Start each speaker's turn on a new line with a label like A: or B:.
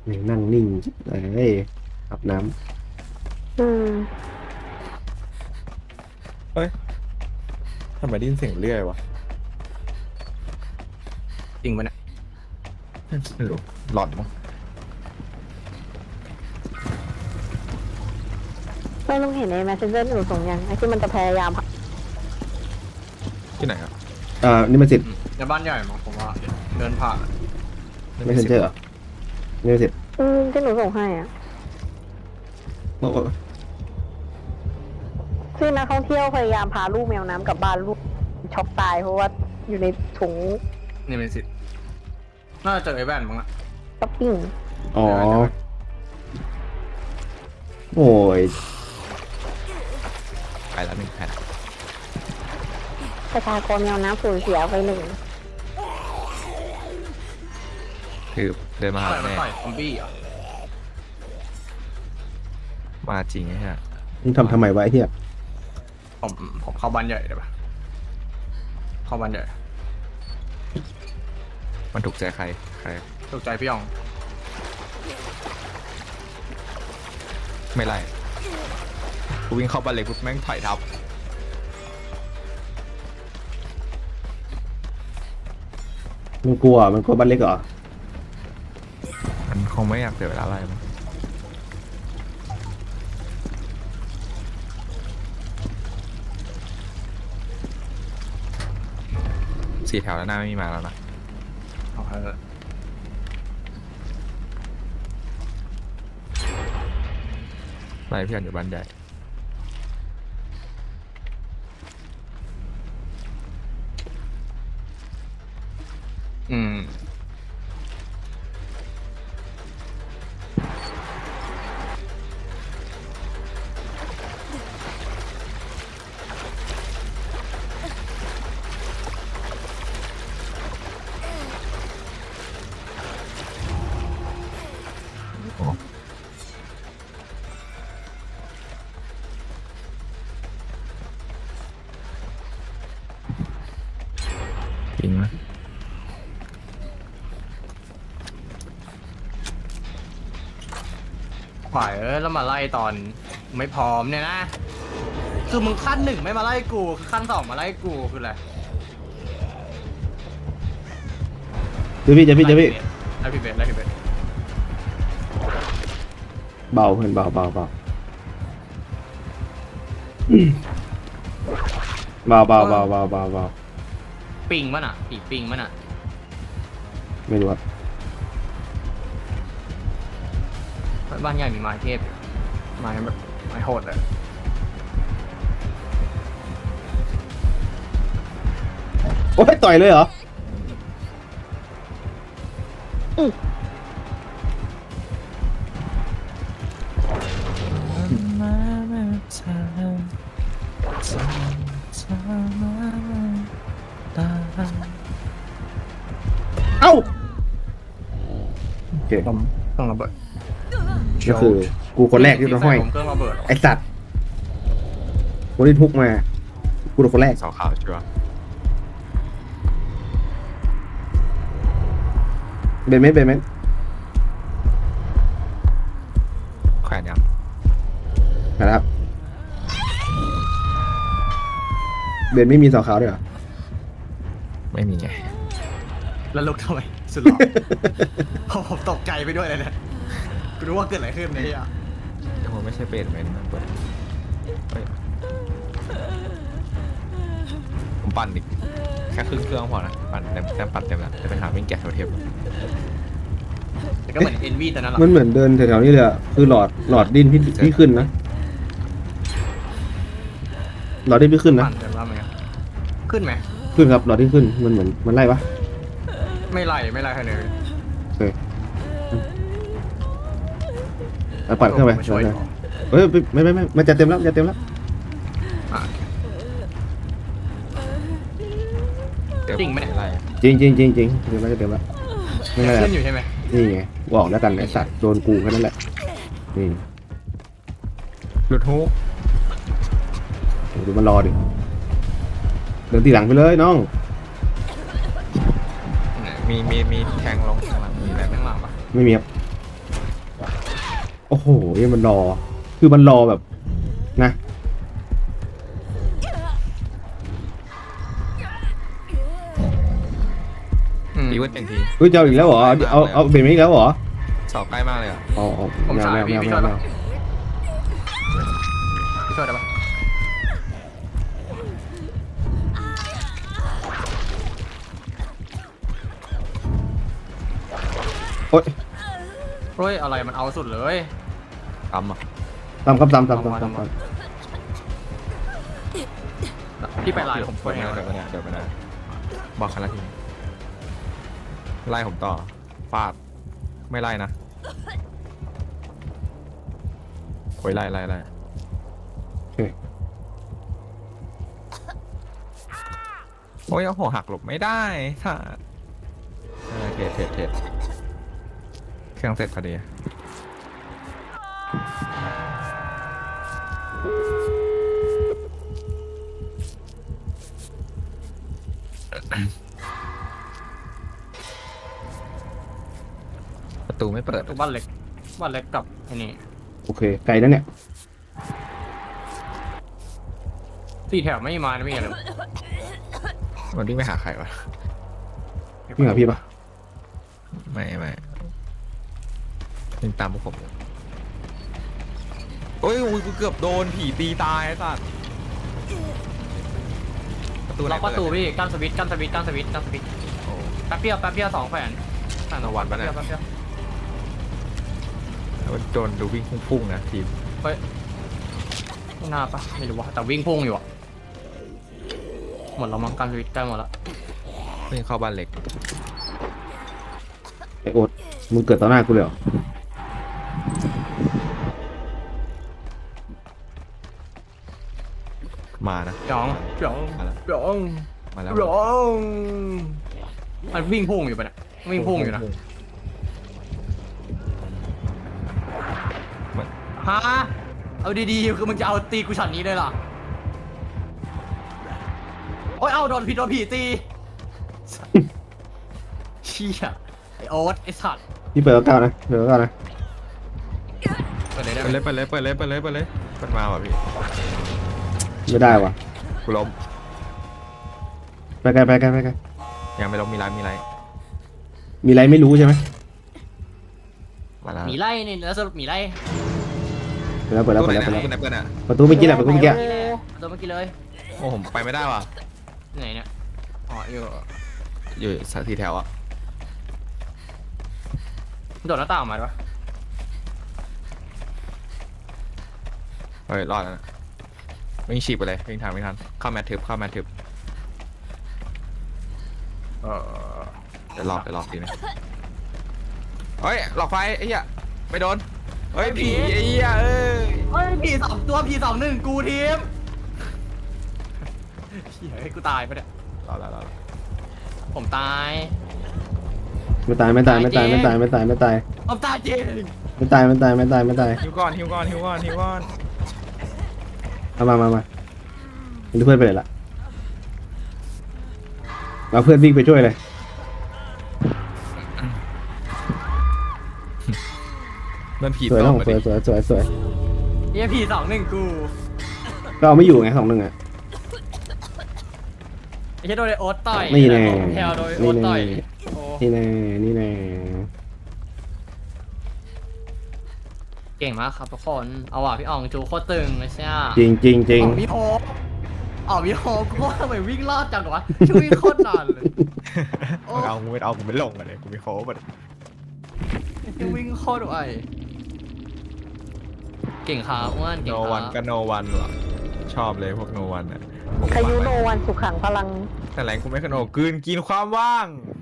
A: นั่งนิ่งเอ้ยอาบน้
B: อืม
C: เฮ้ยทำไมได้ยินเสียงเรื่อยวะ
D: จริงปะเนี่ย
C: ไม่รู้หลอนมั้ง
B: ไม่ต้องเห็นใน Messenger หนูส่งยังไอ้ที่มันจะพยายาม
C: ที่ไหนครับ
A: นี่มันเสร็จ
D: ในบ้านใหญ่มั้งผมว่าเดินผ่าน
A: ไม่เซ็นเจอร์เหรอนี่มันเสร็จ
B: ที่หนูส่งให้อ่ะ
A: โอ้โห
B: ที่นักท่องเที่ยวพยายามพาลูกแมวน้ำกลับบ้านลูกช็อกตายเพราะว่าอยู่ในถุง
D: นี่เป็นสิทธิ์น่าจะเจอไอ้แว่นมั้งละ
B: ช้อปปิ้ง
A: อ๋อโอ้ย
C: ไปแล้ว1 แผ่น
B: ประชากรแมวน้ำสูญเสียไปหนึ่ง
C: คือเดินมาหา
D: ต่อยมัน
C: แม่
D: ต่อยซอมบี้เหรอ
C: มาจริงไอ้เหี้ย
A: มึงทำไมวะไอ้เหี้ย
D: ผมเข้าบ้านใหญ่ได้ปะเข้าบ้านใหญ่
C: มันถูกใจใคร
D: ถูกใจพี่ยอง
C: ไม่ไล่กูวิ่งเข้าบ้านเล็กปุ๊บแม่งถอยทับ
A: มันกลัวบ้านเล็กเหรอ
C: มันคงไม่อยากเสียเวลาอะไรมั้ง4 แถวแล้วหน้าไม่มีมาแล้วนะ
D: เอาเถอะ
C: ไล่พี่อันอยู่บ้านใหญ่
D: อืม
C: จริงนะ
D: ขวายแล้วมาไล่ตอนไม่พร้อมเนี่ยนะ คือมึงขั้น 1ไม่มาไล่กูขั้น 2มาไล่กูคืออะไร
A: เดี๋ยวพี่
D: ไล่พี่เบสไล่พี่เบส
A: เบาเพื่อนเบาเบา
D: ปิงมันอ่ะปีปิงมันอ่ะ
A: ไม่รู้อะ
D: บ้านใหญ่มีไม้เทพอยู่ไม้แบบไม้โหดเลย
A: โอ้ยต่อยเลยเหรอเอ้าโอเค
D: ต้องระเบิด
A: ก็คือกูคนแรกที่โดนห้อย
D: ผมเครื่องระเบิด
A: ไอสัตว์คนที่ทุกมากูโดนคนแรก
C: เสาขาวชัวร์
A: เบนเมน
C: แขวนยัง
A: นะครับเบนไม่มีเสาขาวด้วยเหรอ
C: ไม่มีไง
D: แล้วลุกทำไมสุดหล่อ ผมตกใจไปด้วยเลยนะกูรู้ว่าเกิดอะไรขึ้นเนี่ย
C: ยังไม่ใช่เป็นไหมมันเปิดเฮ้ยผมปั่นอีกแค่ครึ่งเครื่องพอนะปั่นเต็มปั่นเต็มแล้วจะไปหาวิ่งแกะโทเทม
D: แต่ก็เหมือนเอ็นวีแต่นั้นหรอ
A: มันเหมือนเดินแถวๆนี้เลยอะคือหลอดดินพี่ขึ้นนะหลอดดินพี่ขึ้นนะ
D: ปั่นแต่ว่ามันขึ้นไหม
A: ขึ้นครับหลอดดินขึ้นมันเหมือนมันไล่ปะ
D: ไม่ไล่ใครเลย
A: โอเคเอาปั่นเครื่องไป
D: ช่วย
A: เฮ้ยไม่มันจะเต็มแล้ว
D: อ่ะ จริงไหมเนี่ย
C: ไล่
A: จริงเดี๋ยวมันจะเต็มแล้วไม่เป็นไร
D: ขึ้นอยู่ใช่ไหม
A: นี่ไงบอกแล้วกันไอสัตว์โดนกูแค่นั้นแหละนี่
C: หลุดฮุก
A: ดูมันรอดิเดินตีหลังไปเลยน้อง
C: มีแทงลงข้างหลังมีอะไรไหม
D: ข้างหลังปะ
A: ไม่มีครับโอ้โหเนี่ยมันรอ คือมันรอแบบนะ
C: ตีวันหนึ่งที
A: เฮ้ยจะเอาอีกแล้วเหรอเอาเบรกมาอีกแล้วเหรอ
C: สอบใกล้มากเลยอ่ะ
A: เอา
D: ผม
A: แมว
D: สาย
A: แมว
D: พี่
A: แมว
D: พี่
A: แม
D: ช่ว
A: วย แม
D: ปะ
A: ว
D: พี่ช่วยได้ปะ
A: โอ๊ย
D: เฮ้ยอะไรมันเอาสุดเลย
C: ตำอ่ะ
A: ตามครับตาม
D: พี่ไปไลน์ผมช่วย
C: เดี๋
D: ให้
C: ยวไปนะเดี๋ยวไปนะบอกคันละทีไล่ผมต่อฟาดไม่ไล่นะโอ้ยไล่
A: โอเค
C: โอ้ยเอาหัวหักหลบไม่ได้ค่ะเทรดเครื่องเสร็จพอดีประตูไม่เปิด
D: ตัวบ้านเล็กกับไอ้นี่
A: โอเคไกลแล้วเนี่ย
D: 4 แถวไม่มานะพี่อะไร
C: มันวิ่งไปหาใครวะ
A: พี่หาพี่ปะ
C: ไม่วิ่งตามพวกผมอยู่โอ้ยกูเกือบโดนผีตีตายไอ้สัสประตูไหน
D: ล็อกประตู
C: เด
D: พี่กั้นสวิตช์แป๊บเดียว2 แขวนแป๊บเดียว
C: แล้วโดนดูวิ่งพุ่งๆนะทีม
D: เฮ้ยไม่น่าปะไม่รู้ว่าแต่วิ่งพุ่งอยู่อะหมดแล้วมั้งกั้นสวิตช์ใกล้หมดแล้ว
C: วิ่งเข้าบ้านเล็ก
A: ไอโอ๊ตมึงเกิดต่อหน้ากูเลยเหรอ
C: มานะ
D: จ๋อง
C: มาแล้ว
D: มันวิ่งพุ่งอยู่ปะเนี่ยวิ่งพุ่งอยู่นะฮะเอาดีๆคือมึงจะเอาตีกูช็อตนี้เลยเหรอโอ้ยเอาโดนผีตีเชี่ยไอโอ๊ตไอสัตว์
A: พี่เปิดเก้านะเปิดเก้านะ
D: เปิดเลยได้
C: ไป
D: ไหม
C: เลยมันมาว่ะพี่
A: ไม่ได้วะ
C: กูล้ม
A: ไปไกล
C: ยังไม่ล้มมีไร
A: มีอะไรไม่รู้ใช่ไหม
C: มาแล้ว
D: หมีไล่นี่แล้วสรุปหมีไล่
A: เปิดแล้ว
C: ตู้ไหนนะตู้ไหนเปิดอ่ะ
A: ประตูเมื่อกี้แหละประตูเมื่อกี้
D: นี่แหละตัวเมื่อกี้เลย
C: โอ้ผมไปไม่ได้ว่ะ
D: ไหนเนี่ยอ๋อ
C: อยู่ทีแถวอ่ะ
D: โดดหน้าต่างออกมาปะ
C: เฮ้ยรอดแล้วนะวิ่งฉีกไปเลยวิ่งทันเข้าแมททึบเดี๋ยวหลอกทีนึงเฮ้ยหลอกไฟไอ้เหี้ยไม่โดนเฮ้ยผีไอ้เหี้ยเอ้ย
D: เฮ้ยผี2 ตัวผี2-1กูทีมเฮ้ยกูตายปะเนี่ย
C: รอแล้ว
D: ผมตาย
A: ไม่ตาย
D: ผมตายจริง
A: ไม่ตาย
C: ฮิวก่อน
A: มาเป็นเพื่อนไปเลยละเราเพื่อนวิ่งไปช่วยเลย
C: มันผี
A: สวย
C: ต
A: นะ
C: ก
A: ผม
C: มา
A: ส
C: ดิ
A: วย
D: เฮียผี2-1กู
A: ก็เอาไม่อยู่ไง2-1อ่ะ
D: ไอ้เฮียโดนไอโอ๊ตต่อย
A: นี่แน่
D: แถวโดนไอ้โอ๊ตต่อยโอ้
A: นี่แน่
D: เก่งมากครับทุกคนเอาว่ะพี่อ่องจูโคตรตึงเลยใช่ไหม
A: จริง
D: อ๋อพี่โฮกูว่าทำไมวิ่งรอดจังวะช่วยโคตรนานเลย โอ้
C: กูไม่ลงเลยกูไม่โค้งเลย
D: ยังวิ่งโคตรไวเก่งขาอ้วนเก่
C: โน
D: ง
C: วัน
D: ขา
C: ก็โนวันว่ะชอบเลยพวกโนวันอ่ะ
B: คายุโนวันสุขังพลัง
C: แต่แรงกูไม่ขนโนกินความว่าง